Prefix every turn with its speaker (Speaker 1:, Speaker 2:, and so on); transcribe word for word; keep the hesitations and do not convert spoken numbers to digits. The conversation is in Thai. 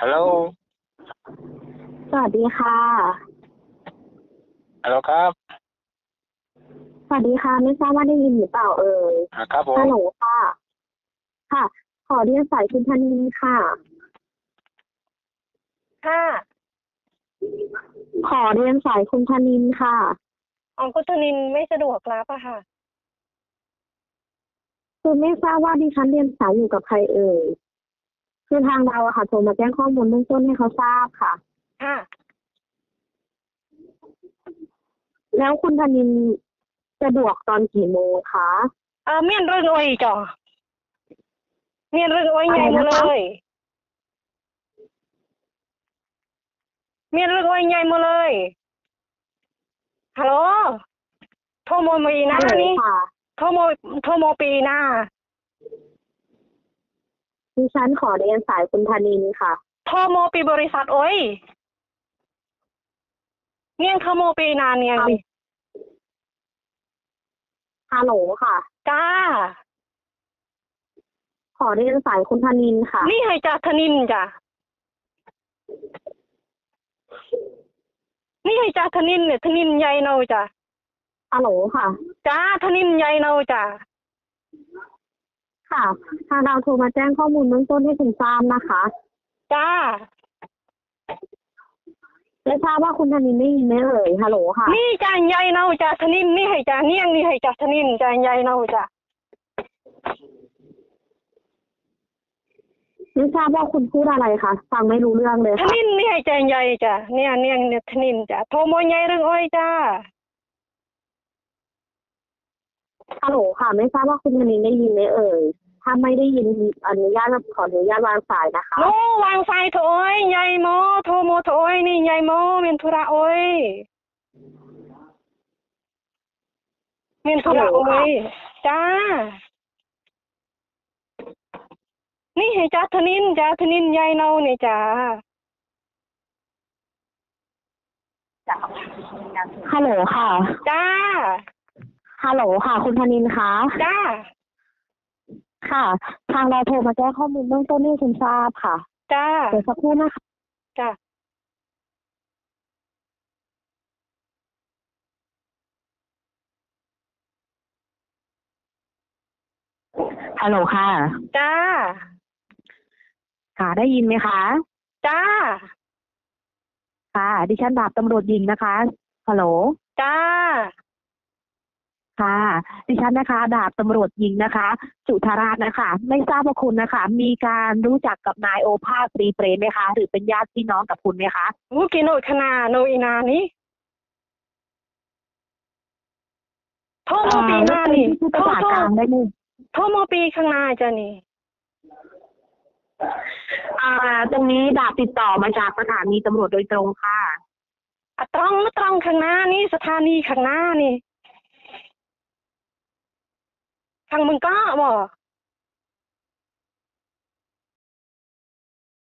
Speaker 1: ฮัลโหล
Speaker 2: สวัสดีค่ะ
Speaker 1: ฮัลโหลครับ
Speaker 2: สวัสดีค่ะไม่ทราบว่าได้ยินหรือเปล่าเอ่ย
Speaker 1: อ่าครับผม
Speaker 2: ฮัลโหลค่ะค่ะ ขอเรียนสายคุณธนินค่ะ
Speaker 3: ค่ะ
Speaker 2: ขอเรียนสายคุณธนินค่ะ
Speaker 3: อ๋อคุณธนินไม่สะดวกรับอะค่ะ
Speaker 2: คือไม่ทราบว่าดิฉันเรียนสายอยู่กับใครเอ่ยคือทางเราอะค่ะโทรมาแจ้งข้อมูลเบื้องต้นให้เขาทราบค่ะ
Speaker 3: ค่ะ
Speaker 2: แล้วคุณธนินสะดวกตอนกี่โมงคะ
Speaker 3: เออเมียนเรื่องอ้อยจ่อเมียนเรื่องอ้อยใหญ่หมดเลยเมียนเรื่องอ้อยใหญ่หมดเลยฮัลโหลโทรโมมีนะ
Speaker 2: ฮัลโหล
Speaker 3: นี่
Speaker 2: ค่ะ
Speaker 3: โทรโมโทรโมปีนะ
Speaker 2: ดิฉันขอเรียนสายคุณธนินค่ะ
Speaker 3: โทรโมปีบริษัทอ้อยเนียงโทรโมปีนานเนียงนี่
Speaker 2: ฮัลโหลค่ะ
Speaker 3: จ้า
Speaker 2: ขอเรียนสายคุณธนินค่ะ
Speaker 3: นี่ให้จ่าธนินจ้ะนี่ให้จ่าธนินเนี่ยธนินใหญ่เนาจ้ะ
Speaker 2: ฮัลโหลค่ะ
Speaker 3: จ้าธนินใหญ่เนาจ้ะ
Speaker 2: ค่ะทางเราโทรมาแจ้งข้อมูลเบื้องต้นให้คุณทราบนะคะ
Speaker 3: จ้า
Speaker 2: ไม่ทราบว่าคุณธนินได้ยินไหมเอ่ยฮัลโหลค่ะ
Speaker 3: นี่จ่าใหญ่เนาจ่าธนินนี่ให้จ่าเนียงนี่ให้จ่าธนินจ่าใหญ่เนาจ้ะ
Speaker 2: ไม่ทราบว่าคุณพูดอะไรคะฟังไม่รู้เรื่องเลย
Speaker 3: ท
Speaker 2: ค่ะ
Speaker 3: นินนี่ให้ใจใหญ่จ้ะเนี่ยเนี่ยเนี่ยทนินจ้ะโทรโมใหญ่เรื่องอ้อยจ้า
Speaker 2: ฮัลโหลค่ะ ไม่ทราบว่าคุณธนินได้ยินไหมเอ่ยถ้าไม่ได้ยินอนุญาตขออนุญาตวางสายนะคะ
Speaker 3: โนวางไฟโถอ้อยใหญ่โมโทรโมโถอ้อยนี่ใหญ่โมเมียนธุระอ้อยเมียนธุระอ้อยจ้านี่ให้จ้าทนินจ้าทนินใหญ่เนาเนี่ยจ้า
Speaker 2: ฮัลโหลค่ะ
Speaker 3: จ้า
Speaker 2: ฮัลโหลค่ะ คุณธนินคะ
Speaker 3: จ้า
Speaker 2: ค่ะ ทางเราโทรมาแจ้งข้อมูลเบื้องต้นให้คุณทราบค่ะ
Speaker 3: จ้า
Speaker 2: เดี๋ยวสักครู่นะคะ
Speaker 3: จ้า
Speaker 2: ฮัลโหลค่ะ
Speaker 3: จ้า
Speaker 2: ค่ะ ได้ยินไหมคะ
Speaker 3: จ้า
Speaker 2: ค่ะ ดิฉันดาบตำรวจหญิงนะคะ ฮัลโหล
Speaker 3: จ้า
Speaker 2: ค่ะ ดิฉันนะคะ ดาบตำรวจหญิงนะคะ จุธาราชนะคะ ไม่ทราบว่าคุณนะคะ มีการรู้จักกับนายโอภาสตรีเปรมไหมคะ หรือเป็นญาติพี่น้องกับคุณไหมคะ
Speaker 3: วุกิโนขนาโนอีนานี่โทรโมปีหน้านี่
Speaker 2: พูด
Speaker 3: โทร
Speaker 2: ภาษา
Speaker 3: โทร
Speaker 2: กลางได้ไหม
Speaker 3: โทรโมปีข้างหน้าจ้ะนี่
Speaker 2: อ่า ตรงนี้ดาบติดต่อมาจากสถานีตำรวจโดยตรงค่ะ
Speaker 3: อะตรองตรองข้างหน้านี่สถานีข้างหน้านี่ทางมึงก็บอก